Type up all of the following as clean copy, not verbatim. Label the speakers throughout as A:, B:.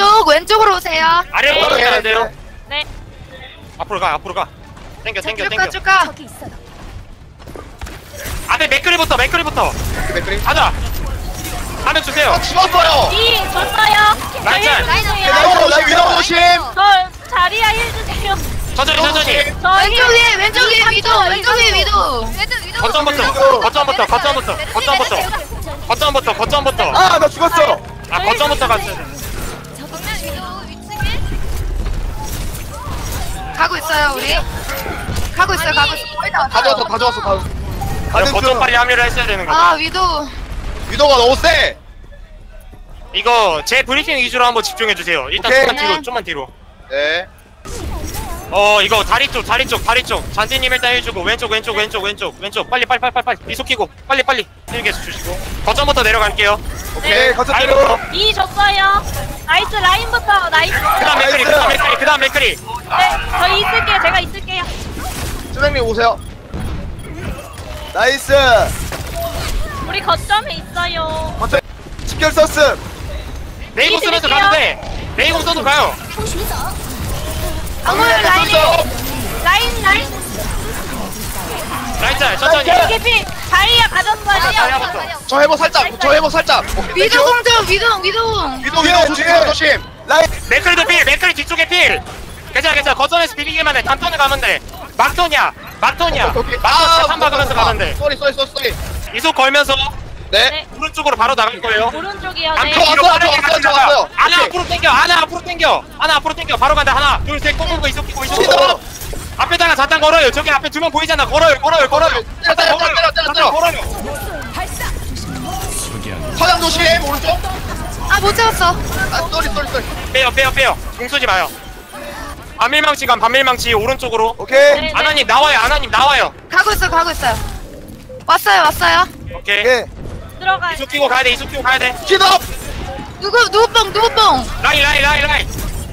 A: 왼쪽으로 오세요.
B: 아래로 가야 돼요.
C: 네.
B: 앞으로 가. 땡겨.
A: 쭉 가.
B: 앞에 맥크리부터.
D: 맥크리.
B: 가자. 하면 주세요.
D: 죽었어요.
C: 이 줬어요.
B: 라인.
D: 라인 위로 오심.
C: 저 자리야 힐 주세요.
B: 천천히.
C: 저
A: 왼쪽 위에 위도.
B: 거점부터.
D: 아, 나 죽었어.
B: 거점부터 갔어요.
A: 가고 있어요 우리. 가고 있어. 거의 다
D: 다
A: 왔어요.
D: 좋았어.
B: 거점 빨리 합류를 했어야 되는 거죠.
A: 아 위도.
D: 위도가 너무 세.
B: 이거 제 브리핑 위주로 한번 집중해 주세요. 일단
D: 오케이.
B: 좀만 뒤로.
D: 네.
B: 이거 다리 쪽. 잔디님 일단 해주고 왼쪽. 빨리. 이속 키고 빨리 힐게 주시고. 거점부터 내려갈게요.
D: 오케이. 거점
B: 라인
D: 뒤로.
C: 이 줬어요. 나이스 라인부터 나이스.
B: 그다음 맥크리.
C: 네, 저 있을게요. 제가 있을게요.
D: 선생님 오세요. 나이스.
C: 우리 거점에 있어요.
D: 거점 집결 썼음.
B: 레이공 쓰면서 가도 돼. 레이공 써도 가요.
C: 방울 라인.
B: 라인짤 천천히.
C: 개피 자리야 가졌어요.
B: 자리야부터.
D: 저 회복 살짝. 오케이,
A: 위도
D: 땡큐.
A: 위도.
D: 위도 조심. 라인.
B: 맥크리도 필. 맥크리 뒤쪽에 필. 괜찮아. 거점에서 비비기만 해. 단턴을 가면 돼. 막턴이야. 막턴 재판 박으면서 가면 돼.
D: 쏘리.
B: 이속 걸면서
D: 네.
C: 네.
B: 오른쪽으로 바로 나갈 거예요.
C: 오른쪽이요.
B: 안
C: 네.
B: 뒤로
D: 왔어요,
B: 빠르게
D: 저
B: 같이
D: 왔어요.
B: 나가. 하나
D: 오케이.
B: 앞으로 당겨. 바로 간다. 하나, 둘, 셋, 꼬꼬고 이속 끼고.
D: 시도.
B: 앞에다가 잠깐 걸어요. 저기 앞에 두 명 보이잖아. 걸어요. 잠깐
D: 때려.
B: 걸어요.
D: 서양 조심. 오른쪽.
A: 아 못 잡았어.
D: 아, 쏘리.
B: 빼요. 공 쏘지 마요. 반밀망치 오른쪽으로.
D: 오케이.
C: 네.
B: 아나님 나와요.
A: 가고 있어요. 왔어요.
B: 오케이.
D: 오케이.
C: 들어가.
B: 이속 끼고 가야 돼.
D: 시도.
A: 누구 뽕.
B: 라인.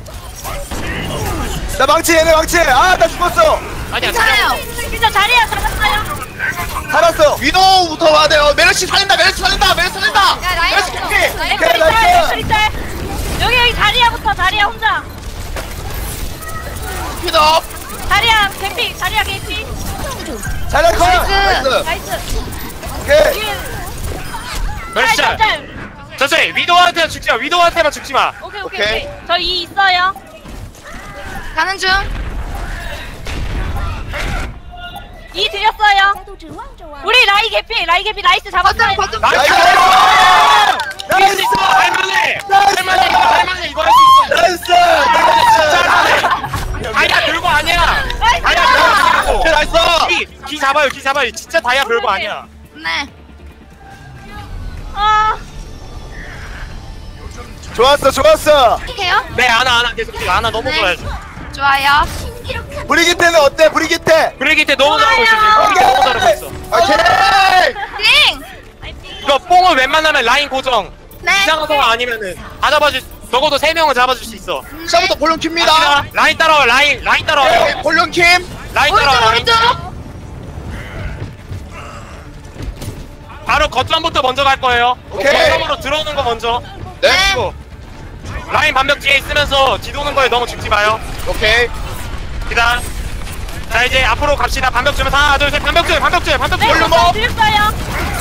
D: 나 망치. 얘네 망치. 아, 나 죽었어.
B: 아니야.
A: 괜찮아요.
C: 진짜 자리야 잡았어요.
D: 살았어. 위도부터 와야 돼요. 메르시 살린다. 메르시 캐피. 오케이, 나이스.
C: 크리짤. 여기 자리야부터 자리야 혼자.
D: 위도.
C: 자리야 개피.
D: 잘할 거.
A: 나이스.
D: 나이스.
C: 나이스.
D: 오케이.
C: 뒤에
B: 멸시.
C: 짤.
B: 천천히. 위도한테만 죽지 마.
C: 오케이. 저 이 있어요.
A: 가는 중.
C: 이 드렸어요. 우리 라이 개피 나이스 잡았어요.
A: 거점.
D: 나이스.
B: 할수 있어. 할만해. 이거 할 수 있어.
D: 나이스.
B: 다이아 별거 아니야.
D: 오케이, 나이스.
B: 기 잡아요. 진짜 다이아 별거 아니야.
A: 네.
C: 아,
D: 좋았어.
A: 해요?
B: 네, 아나 계속 아나 너무
A: 네.
B: 좋아요.
A: 좋아요.
D: 브리기테는 어때? 브리기테.
B: 브레이기 너무 잘하고 있어 지금. 너무 잘하고 있어.
D: 오케이.
A: 띵.
B: 이거 뽕을 웬만하면 라인 고정.
A: 네.
B: 이상한 상황 아니면은 다 잡아줄. 적어도 3명은 잡아줄 수 있어.
D: 시작부터 볼륨 킵니다.
B: 라인 따라와. 라인 따라와요.
D: 네, 볼륨 킴.
B: 라인 따라와.
A: 오른쪽.
B: 바로 거점부터 먼저 갈 거예요.
D: 오케이.
B: 거점으로 들어오는 거 먼저.
D: 네.
B: 그리고 라인 반벽 뒤에 있으면서 뒤도는 거에 너무 죽지 마요.
D: 오케이.
B: 기다려. 자 이제 앞으로 갑시다. 반벽 주면서 하나 둘 셋. 반벽 줄.
C: 네,
D: 볼륨
C: 저
D: 업.
C: 드렸어요.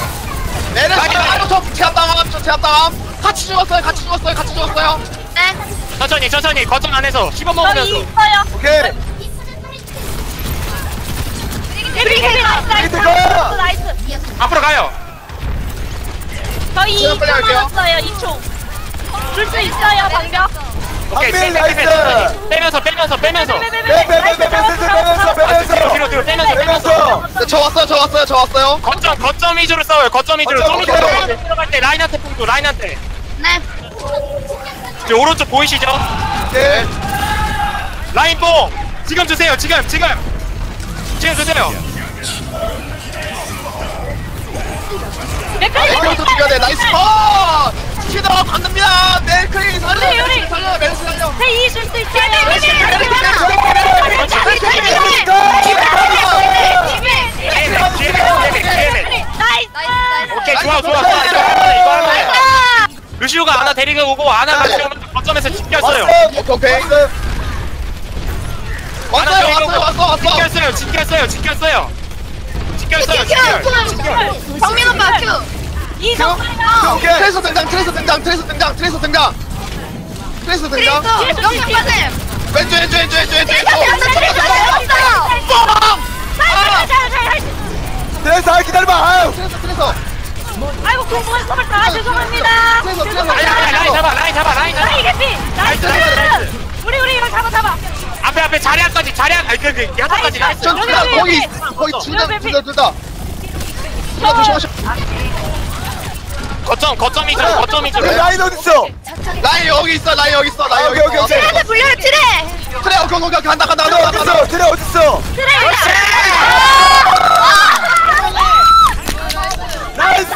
D: 내려서 제압당함. 같이 죽었어요.
A: 네.
B: 천천히 거점 안에서 씹어
C: 저 이
B: 먹으면서.
C: 있어요.
D: 오케이.
C: 개피 나이스.
B: 앞으로 가요.
C: 저이
D: 제가 빨리
C: 2초
D: 할게요.
C: 남았어요. 2초. 줄 수 있어요 방벽.
B: 오케이.
D: 앞에 나이스.
B: 빼면서.
D: 빼면서.
B: 뒤로 빼면서.
D: 네, 저 왔어요.
B: 거점 위주로 싸워요. 거점 위주로.
D: 거점,
B: 좀 이따
D: 오케이.
B: 들어갈 때 라인한테 punk도 라인한테.
A: 네.
B: 지금 오른쪽 보이시죠?
D: 네.
B: 라인 뽕. 지금 주세요. 지금 주세요.
D: 이거부터 죽여야 돼. 나이스 컷. 시도 간답니다. 멜크리 살려.
C: 우리.
D: 멜크리 살려.
C: 세이 줄수 있어요.
A: 나이스.
B: 오케이 좋아. 이거 하면 루시오가 아나 데리고 오고 아나 같이 오면 거점에서 집결 써.
D: 오케이. 왔어.
B: 지켰어요.
A: 정민 오빠 큐.
C: 이성만요.
D: 트레이서 등장. 트레이서 등장.
A: 그래서 영상 빠짐.
D: 왼쪽.
E: 트레이서 기다려봐. 아유.
D: 트레이서.
C: 아이고 공부해서 다 죄송합니다.
B: 라인 잡아.
C: 라인 개피. 나이스. 우리 이거 잡아.
B: 앞에 자리야까지 야타까지 나이스.
D: 전 거기 둘 다. 조심하셔.
B: 거점이죠.
E: 라인 어딨어?
D: 라인 여기 있어.
E: 오케이.
A: 트레한테 불려요 트레.
D: 그래, 오케이. 간다.
E: 트레 어딨어? 나이스!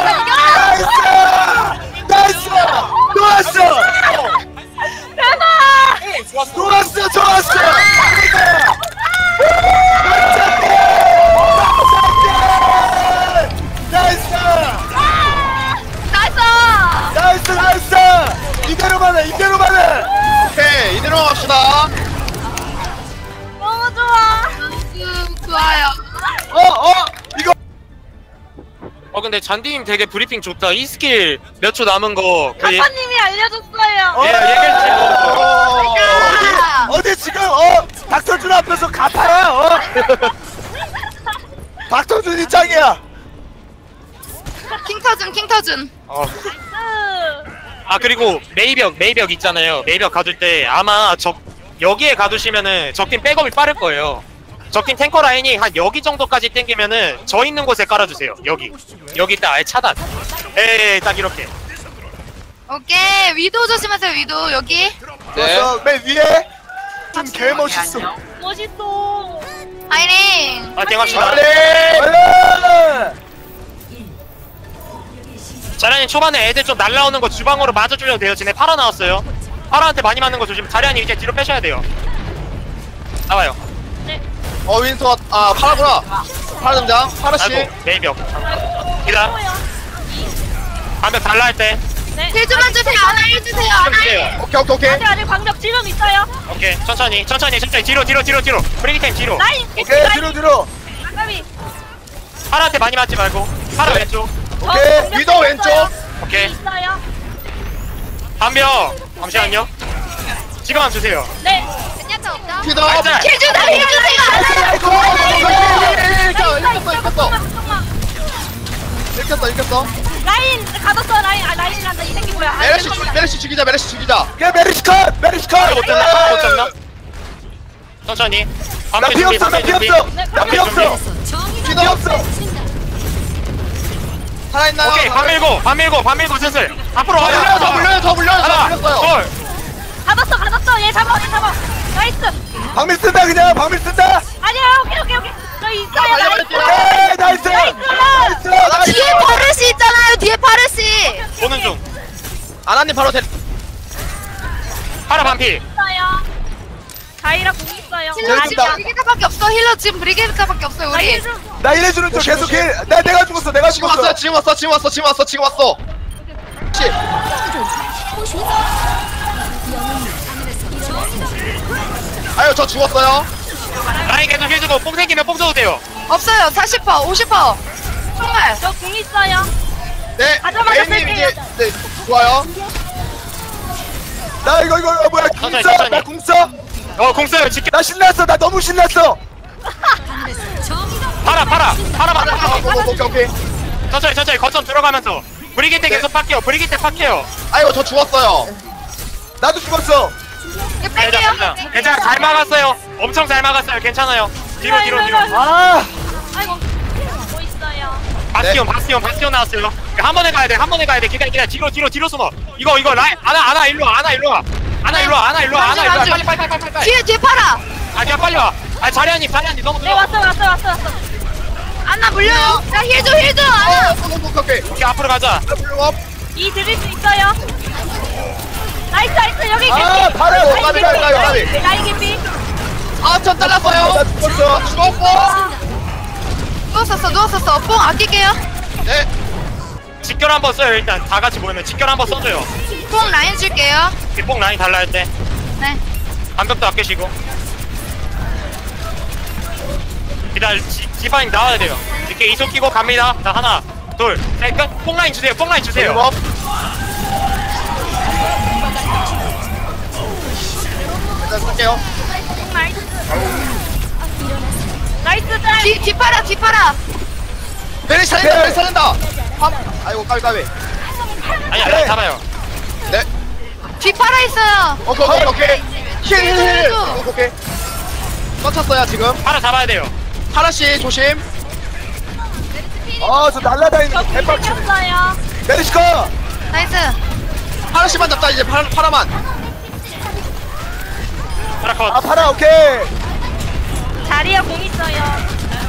E: 좋았어! 나이스! 이대로만 해!
D: 오케이, 이대로 갑시다.
C: 너무 좋아.
A: 좋아요.
E: 이거
B: 근데 잔디님 되게 브리핑 좋다. 이 스킬 몇 초 남은 거
C: 아빠님이 알려줬어요.
B: 얘기해주세요.
E: 어디 지금 박서준 앞에서 가파야 박서준이 짱이야.
A: 킹터준.
B: 그리고 메이벽 있잖아요. 메이벽 가둘 때 아마 여기에 가두시면은 적팀 백업이 빠를 거예요. 적팀 탱커 라인이 한 여기 정도까지 땡기면은 저 있는 곳에 깔아주세요. 여기 딱 아예 차단. 딱 이렇게.
A: 오케이 위도 조심하세요 위도 여기.
E: 좋았어. 맨 위에 좀 개멋있어.
C: 멋있어.
A: 아이린.
B: 파이팅 합시다.
E: 빨리!
B: 자리아님 초반에 애들 좀 날라오는 거 주방으로 맞아주려도 돼요. 쟤네 파라 나왔어요. 파라한테 많이 맞는 거 조심. 자리아님 이제 뒤로 빼셔야 돼요. 나와요.
D: 윈서, 파라구나. 파라 등장. 파라씨.
B: 아이고 메이벽. 기다. 반벽 달라 할 때.
C: 네.
A: 힐좀만 주세요. 하나 힐 주세요. 하나 힐.
D: 오케이.
C: 아직 방벽 지름 있어요.
B: 오케이 천천히 뒤로 브레이크타임 뒤로.
C: 라인
E: 오케이, 뒤로.
C: 아까비.
B: 파라한테 많이 맞지 말고 파라 왼쪽.
E: 오케이,
D: 위도 왼쪽.
B: 오케이
C: 있어요.
B: 반벽 잠시만요. 지금만 주세요.
C: 네.
A: 젠야타 없다.
D: 피더.
B: 알자.
A: 힐 주세요.
D: 읽혔어.
C: 라인 가뒀어. 라인 간다. 이 새끼 뭐야?
D: 메르시 죽이자.
E: 야, 메리시 컷!
B: 못 잡나? 천천히.
E: 나
B: 반벽
E: 피
B: 준비,
E: 없어!
B: 반벽 준비.
E: 피 없어!
D: 살아있나요?
B: 오케이 반 밀고 슬슬 앞으로
D: 더 물려요.
B: 하나
D: 물렸어요.
B: 둘
C: 가뒀어. 얘 잡아. 나이스.
E: 방밀 쓴다, 그냥! 방밀 쓴다!
C: 아니야. 오케이. 저 있어요. 나이스.
E: 오케이, 나이스!
A: 뒤에 파르시 있잖아요. 뒤에 파르시.
B: 보는 중
D: 아나님 바로
B: 파라 반피.
C: 있어요. 가이라 공 있어요.
A: 힐러 지금
E: 재밌다.
A: 브리게타밖에 없어. 힐러 지금 브리게타밖에 없어요. 우리.
E: 나 일해주는 쪽 계속 해! 내가 죽었어!
D: 지금 왔어. 아유, 저 죽었어요.
B: 라인 계속 해주고 뽕 생기면 뽕 줘도 돼요.
A: 없어요. 40%, 50%. 정말.
C: 저 공 있어요.
D: 네,
C: 가자마자
D: A님
C: 쓸게요.
D: 이제 네, 좋아요.
E: 나 이거 뭐야
B: 천천히,
E: 궁써?
B: 천천히.
E: 나 궁써?
B: 공 써요. 지켜.
E: 나 신났어! 나 너무 신났어!
B: 파라
D: 오케이.
B: 천천히 거점 들어가면서 브리기테 계속 팍해요.
D: 아이고, 저 죽었어요.
E: 나도 죽었어!
A: 이거 뺄게요.
B: 괜찮아 잘 막았어요. 엄청 잘 막았어요. 괜찮아요. 뒤로
E: 아!
C: 아이고. 뭐 있어요.
B: 바스티온 나왔어요. 한 번에 가야 돼. 기다려. 뒤로 숨어. 이거 라인 아나 일로 와. 빨리.
A: 뒤에 팔아.
B: 그냥 빨리 와. 자리아님 너무
C: 네
B: 늦어.
C: 왔어.
A: 안나 물려요. 야 힐 줘. 안나.
D: 오케이.
B: 오케이 앞으로 가자.
C: 이 드릴 수 있어요. 나이스 여기
E: 아, 바로
D: 가비.
C: 라인 개피.
D: 전 잘랐어요.
E: 나 죽었어!
D: 죽었고.
A: 누웠었어. 뽕 아낄게요.
D: 네.
B: 직결 한번 써요. 일단 다 같이 모이면 직결 한번 써줘요.
A: 뽕 라인 줄게요.
B: 뽕 라인 달라 할 때.
A: 네.
B: 반벽도 아끼시고. 디바인 나와야 돼요. 이렇게 이속 끼고 갑니다. 자, 하나, 둘, 셋, 끝. 뽕라인 주세요. 뽕라인 주세요.
D: 뭐? 일단 쓸게요.
C: 나이스 짤.
A: 뒤파라.
D: 메르시 살린다, 메르시 살린다. 아이고, 까비.
B: 아니야, 라인 잡아요.
D: 네.
A: 뒤파라 있어요.
D: 오케이. 힐. 오케이. 떴쳤어요, 지금.
B: 하나 잡아야 돼요.
D: 하나씩 조심.
E: 아저 날라다니는 거
C: 저
E: 개빡치네.
C: kus었어요.
E: 메르시카.
A: 나이스.
D: 하나씩만 잡자, 이제 파라만.
B: 하나 컷.
E: 아 파라 오케이.
C: 자리에 공 있어요.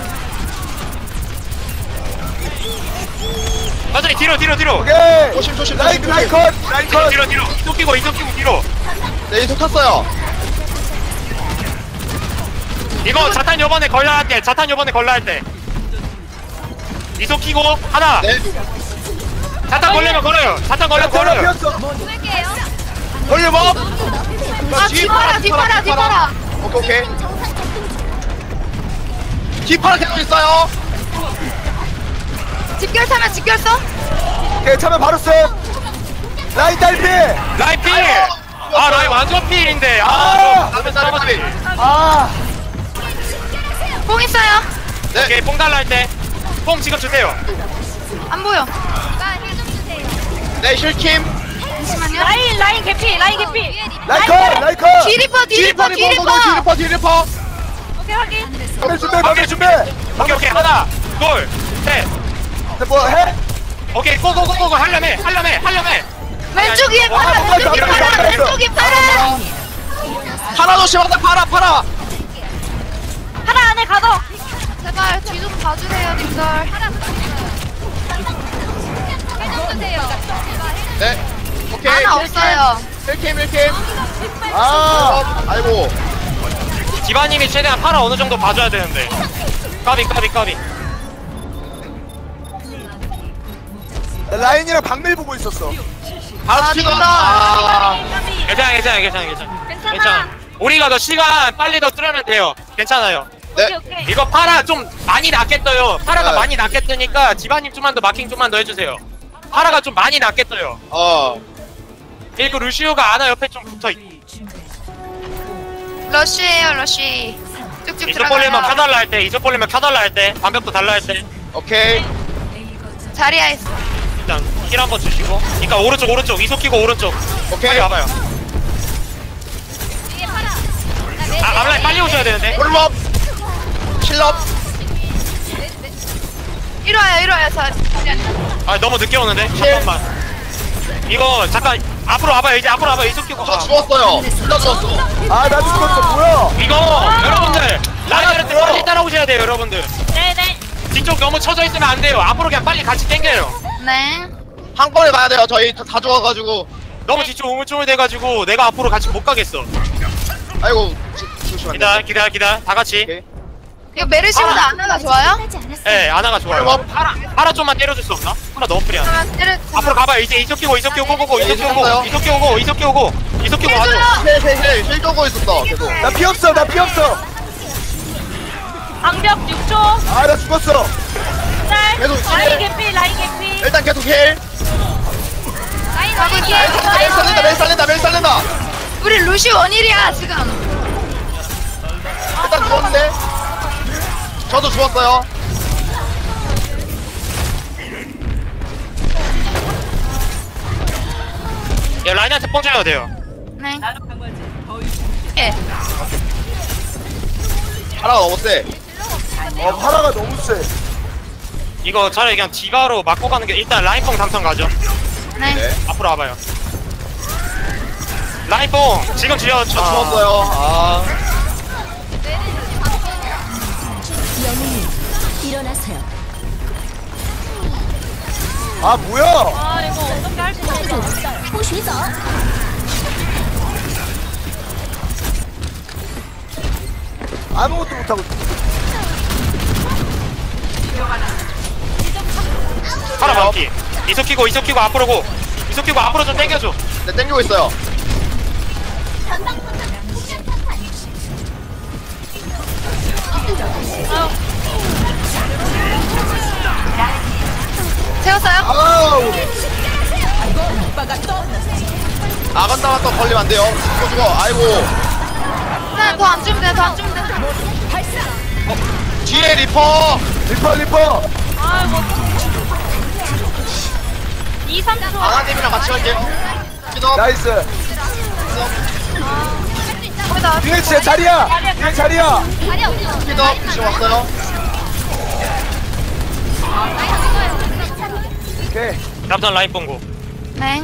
B: 천천히 뒤로.
E: 오케이.
D: 조심.
E: 라인 컷. 라인 컷.
B: 뒤로. 이속 끼고 뒤로.
D: 네, 이속 탔어요.
B: 이거 자탄 요번에 걸려 할 때. 이속 끼고 하나.
D: 네.
B: 자탄 걸리면 걸어요. 자탄 걸리면 걸어요.
E: 피었어.
D: 걸려 뭐?
A: 뒤파라.
D: 오케이. 뒤파라 계속 있어요.
A: 집결 타면 집결 써?
E: 오케이 차면 바로 써. 라인 딸피.
B: 라인 필. 아 라인 완전 필인데.
D: 까비.
E: 아
A: 뽕 있어요.
D: 네.
B: 오케이 뽕 달라 할 때. 뽕 지금 주세요.
A: 안 보여.
D: 네, 힐킴.
A: 잠시만요.
C: 라인 개피.
E: 라인 컷.
A: 뒤리퍼.
D: 뒤리퍼.
C: 오케이 확인.
E: 방금 준비.
B: 오케이 하나 둘 셋.
E: 뭐 해?
B: 오케이 고고고고 하려면.
A: 왼쪽 위에 파라.
E: 아,
A: 왼쪽 위에 파라.
D: 파라 조심하다, 파라.
C: 하나 안에 가둬.
A: 제발 뒤 좀 봐주세요, 님들.
D: 네. 오케이.
A: 하나 없어요.
D: 힐킴.
E: 아
D: 아이고.
B: 디바님이 최대한 팔아 어느 정도 봐줘야 되는데. 까비.
E: 라인이랑 방밀 보고 있었어.
D: 바로 치다.
B: 괜찮아. 우리가 더 시간 빨리 더 뜨려면 돼요. 괜찮아요.
D: 네.
C: 오케이.
B: 이거 파라 좀 많이 낮게 떠요. 파라가
D: 네.
B: 많이 낮게 뜨니까 디바님 좀만 더 마킹 좀만 더 해주세요. 파라가 좀 많이 낮게 떠요. 그리고 루시우가 아나 옆에 좀 붙어.
A: 러쉬예요, 러쉬. 쭉쭉
B: 이쪽 벌리면
A: 들어가요.
B: 켜달라 할 때. 반벽도 달라 할 때.
D: 오케이.
A: 자리야 있어.
B: 일단 힐 한번 주시고. 그러니까 오른쪽 이속 끼고 오른쪽.
D: 오케이.
B: 빨리 와봐요. 앞라인 빨리 오셔야 되는데.
D: 홀럽. 킬럽.
A: 이리 와요.
B: 아 너무 늦게 오는데. 잠깐만. 이거 잠깐 앞으로 와봐요. 이속 끼고.
D: 저 죽었어요. 힐러 죽었어.
E: 아 나 죽었어. 뭐야?
B: 이거 여러분들 라이언한테 빨리 따라오셔야 돼요 여러분들.
C: 네네.
B: 뒤쪽 너무 쳐져 있으면 안 돼요. 앞으로 그냥 빨리 같이 당겨요.
A: 네.
D: 한 번에 가야 돼요. 저희 다 죽어가지고.
B: 너무 뒤쪽 우물쭈물 돼가지고 내가 앞으로 같이 못 가겠어.
D: 아이고. 조심하세요.
B: 기다려. 다 같이.
D: 오케이.
A: 이거 메르시보다 아나가 좋아요?
B: 예, 아나가 좋아요.
D: 뭐?
B: 파라 좀만 때려줄 수 없나? 파라 너무 프리야.
A: 그러면 때려.
B: 앞으로 가봐요. 이제 이속 끼고 고고고.
D: 네,
B: 이속 끼고 가죠.
D: 힐 쪼고 있었어. 계속.
E: 나 피 없어.
C: 방벽 6초.
E: 아 나 죽었어.
C: 짤.
D: 계속
C: 라인
D: 힐.
C: 개피.
D: 일단 계속 힐.
A: 가고
D: 멜 살린다.
A: 우리 루시 원일이야 지금.
D: 일단 죽었는데. 저도 죽었어요.
B: 야, 라인한테 뽕 줘야 돼요.
A: 네. 예.
D: 파라가 너무 세.
E: 파라가 너무 세.
B: 이거 차라리 그냥 디바로 맞고 가는 게 일단 라인 뽕 당첨 가죠.
A: 네.
D: 네.
B: 앞으로 와봐요. 라인 뽕 지금 주여.
D: 저 죽었어요. 아.
E: 아 뭐야?
C: 아 이거 어떻게 할 수 있어?
E: 아무것도 못하고.
B: 파라 막기. 이속 끼고 앞으로 고. 이속 끼고 앞으로 좀 당겨줘.
D: 네, 땡기고 있어요. 한 대만 더 걸리면 안 돼요. 죽어. 아이고.
A: 더 안 주면 돼, 더 안 주면 돼.
D: 뒤에 리퍼.
E: 리퍼.
C: 아이고. 2, 3초.
D: 아나님이랑 같이 갈게요. 기도.
E: 나이스.
A: 거기다.
E: 뒤에 진짜 자리야. 뒤에 자리야.
D: 기도. 지금 왔어요.
E: 오케이.
B: 깜짝 라인 봉고.
A: 네.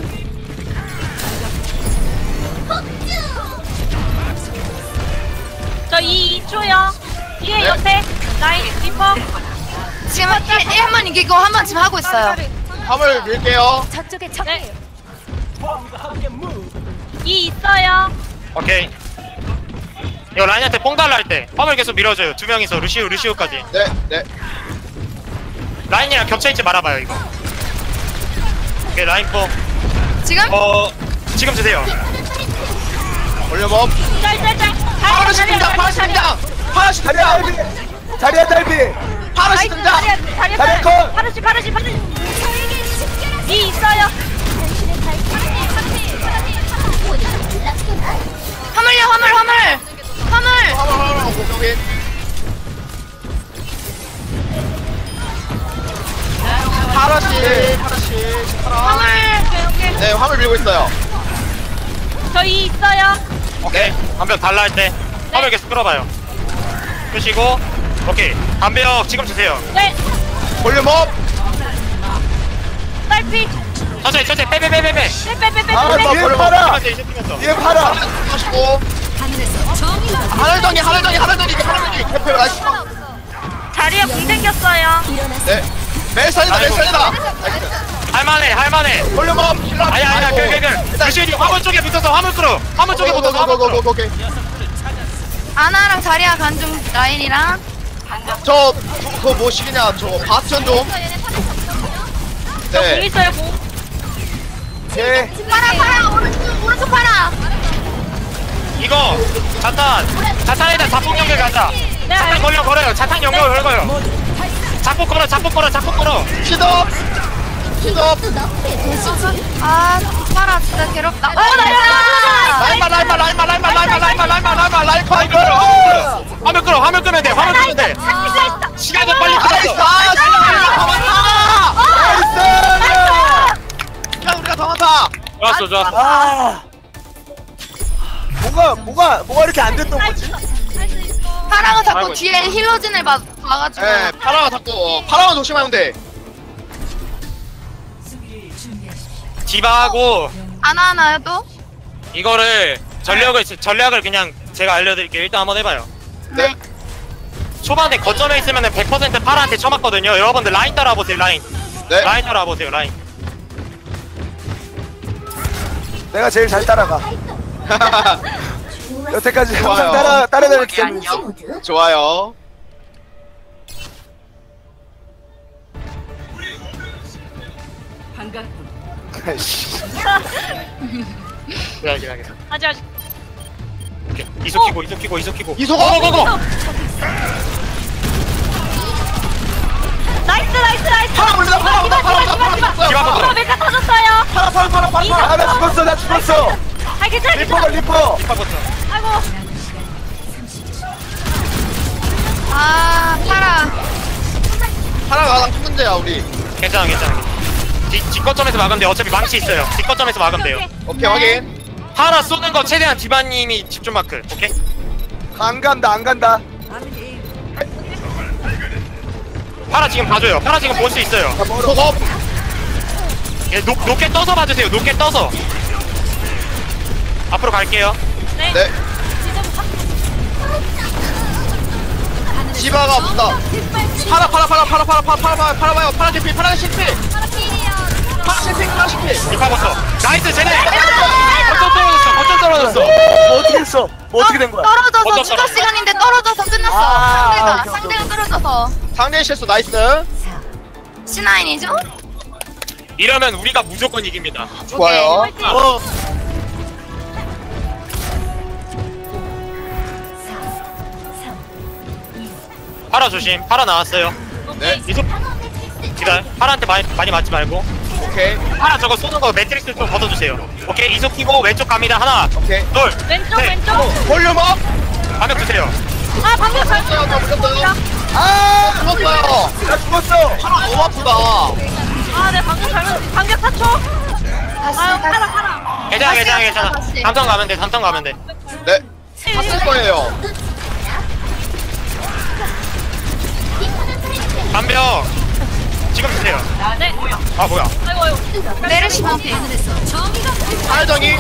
C: 저 2초요. 뒤에
D: 네.
C: 옆에 라인 리퍼.
A: 지금 한 번 이기고 한 번 지금 하고 있어요.
D: 화물 밀게요.
F: 저쪽에
C: 네. 2 있어요.
B: 오케이. 이거 라인한테 뽕 달라 할 때 화물 계속 밀어줘요. 두 명이서 루시우까지.
D: 네, 네.
B: 라인이랑 겹쳐있지 말아봐요 이거. 오케이 라인 뽕.
A: 지금?
B: 지금 주세요.
D: 올려봄.
C: 짤짤짤.
D: 파라시 등장. 파라시 등장. 파라시
E: 자리야
D: 등장.
E: 달비. 자리야 달비.
D: 파라시 등장.
E: 다리 컷!
C: 파르시. 2 있어요.
A: 화물요, 화물.
D: 공격인. 파라시.
A: 화물.
D: 네, 화물 밀고 있어요.
C: 저 2 있어요.
B: 오케이. 담벼 달라 할 때 화물 계속 끌어봐요. 끄시고 오케이. 담벼 지금 주세요.
C: 네.
D: 볼륨업.
C: 딸피.
B: 천천히 빼.
C: 빼빼빼빼빼.
E: 아
D: 뭐,
E: 뒤에
D: 걸려.
E: 팔아.
B: 이제 뛰면서.
E: 뒤에 팔아.
D: 하시고. 하늘덩이. 대표 나이스.
C: 자리에 공 생겼어요.
D: 네. 멜살이다.
B: 할만해.
D: 볼륨업.
B: 아니야. 그. 루시우님 화물 쪽에 붙어서 화물 끌어. 화물 쪽에 붙어서 화물 끌어.
D: 오케이.
A: 아나랑 자리야 간중 라인이랑.
D: 그거 뭐 시기냐? 저거 바스전 좀.
C: 공
D: 네.
C: 있어요 공.
E: 오케이.
A: 팔아. 오른쪽 팔아.
B: 이거 자탄에다 자폭 연결 가자. 자탄 걸어요. 자탄 연결 걸어요. 자폭 걸어.
D: 시덥.
A: 아, 팔아 진짜 괴롭다.
D: 라이커.
B: 화물 끄면 돼. 시간이 빨리
D: 나이스.
B: 끌어.
D: 야, 우리가 더 많다.
B: 좋았어.
E: 아. 뭐가 이렇게 안 됐던 거지?
A: 파라가 자꾸
B: 아이고.
A: 뒤에 힐러진을 봐가지고.
D: 네, 파라가 자꾸 파라만 조심하면 돼.
B: 디바하고
A: 하나요 또?
B: 이거를 전략을 그냥 제가 알려드릴게요. 일단 한번 해봐요.
D: 네.
B: 초반에 거점에 있으면은 100% 파라한테 쳐맞거든요. 여러분들 라인 따라와보세요. 라인
D: 네.
B: 따라와보세요. 라인.
E: 내가 제일 잘 따라가. 여태까지
D: 좋아요.
E: 항상 따라다녔기 때문에.
D: 좋아요.
E: 아이씨.
B: 기다려.
C: 아직.
B: 오케이. 이속 키고.
D: 이소거.
B: 고고고고.
C: 나이스.
D: 파라 올린다. 파라 온다.
B: 디바 먹어.
C: 메카 터졌어요.
E: 파라. 아, 나 죽었어.
C: 아 괜찮아.
E: 리퍼.
B: 디바부터.
C: 아이고.
A: 아, 파라.
D: 파라가 가장 큰 문제야 우리.
B: 괜찮아. 뒷거점에서 막으면 돼. 어차피 망치 있어요. 뒷거점에서 막으면 돼요.
D: 오케이 확인.
B: 파라 쏘는 거 최대한 디바님이 집중 마크. 오케이?
E: 안 간다.
B: 파라 지금 봐줘요. 파라 지금 볼 수 있어요.
D: 소거.
B: 예, 높게 떠서 봐주세요. 높게 떠서. 앞으로 갈게요.
D: 네. 디바가 붙다. 파라 봐요. 파라 실패.
B: 디바부터. 나이스 쟤네. 거점 떨어졌어.
E: 뭐 어떻게 된 거야?
A: 떨어져서
B: 어쩌-
A: 추가 시간인데 떨어져서 끝났어.
E: 아,
A: 상대가 떨어져서.
D: 상대 실수 나이스.
A: C9이죠?
B: 이러면 우리가 무조건 이깁니다.
D: 좋아요.
B: 파라 조심. 파라 나왔어요.
D: 네.
B: 이속 기다려. 파라한테 많이 맞지 말고.
D: 오케이.
B: 하나 저거 쏘는 거 매트릭스 좀 걷어주세요. 오케이 이속 키고 왼쪽 갑니다. 하나
D: 오케이.
B: 둘
C: 왼쪽
B: 네.
C: 왼쪽.
D: 볼륨 업.
B: 반격 주세요.
C: 아 방벽 잘
D: 죽었어요. 저 죽었어요. 아, 죽었어요. 나 죽었어. 팔아 너무 아프다.
C: 아네 방벽 잘못 방벽 4초.
A: 다시
C: 아유
A: 다시.
C: 팔아.
B: 괜찮아.
A: 다시.
B: 담턴 가면 돼. 담턴 가면 돼.
D: 네. 탔을 거예요.
B: 반벽 지금 주세요.
C: 네.
B: 아 뭐야?
C: 아이고 아이고.
A: 메르시 반피.
D: 하늘정이.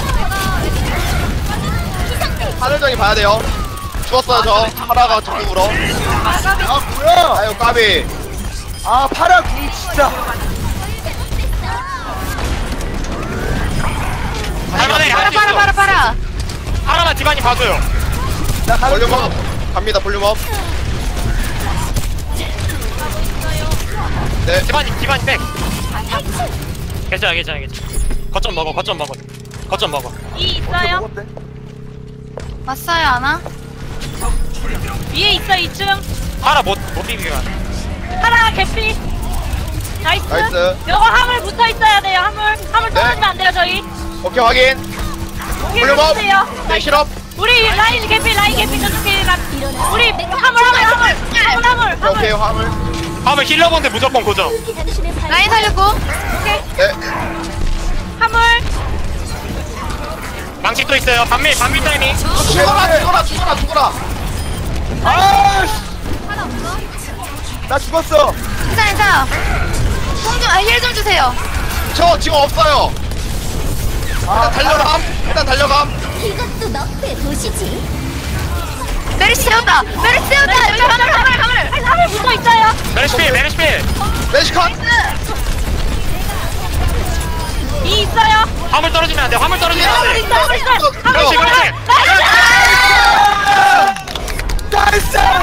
D: 하늘정이 봐야 돼요. 죽었어요 저. 파라가 적으로.
E: 아 뭐야?
D: 아유 까비.
E: 아 파라 궁 진짜.
B: 할만해.
A: 파라
B: 할수
A: 파라
B: 있어.
A: 파라 파라.
B: 하나만 디바니 봐줘요.
E: 나 가는
D: 볼륨
E: 중.
D: 업. 갑니다 볼륨 업. 네.
B: 디바니 백. 괜찮아. 거점 먹어.
C: 이 있어요.
E: 먹었대.
A: 왔어요 하나?
C: 위에 있어 2층.
B: 하나 못 비비게.
C: 하나 개피. 나이스.
D: 나이스.
C: 요거 화물 붙어 있어야 돼요. 화물 떨어지면 안 돼요 저희.
D: 오케이 확인. 볼륨 업. 네 실업.
C: 우리 라인 개피 저쪽에 우리 화물.
D: 오케이 화물.
B: 하면 힐러본데 무조건 고정.
A: 라인 살렸고.
D: 네.
C: 화물.
B: 망치 또 있어요. 반밀 타이밍.
D: 죽어라.
E: 아. 나 죽었어.
A: 괜찮아. 힐좀 주세요.
D: 저 지금 없어요. 일단 달려감.
F: 이것도 너프에 보시지.
A: 메르시 세웠다. 메르시 세웠다. 여기 화물.
C: 화물 붙어 있어요.
B: 메르시필.
D: 메시컷.
C: 이 있어요.
B: 화물 떨어지면 안 돼. 화물 떨어지면 안 돼.
C: 화물 있어.
B: 그렇지.
D: 나이스.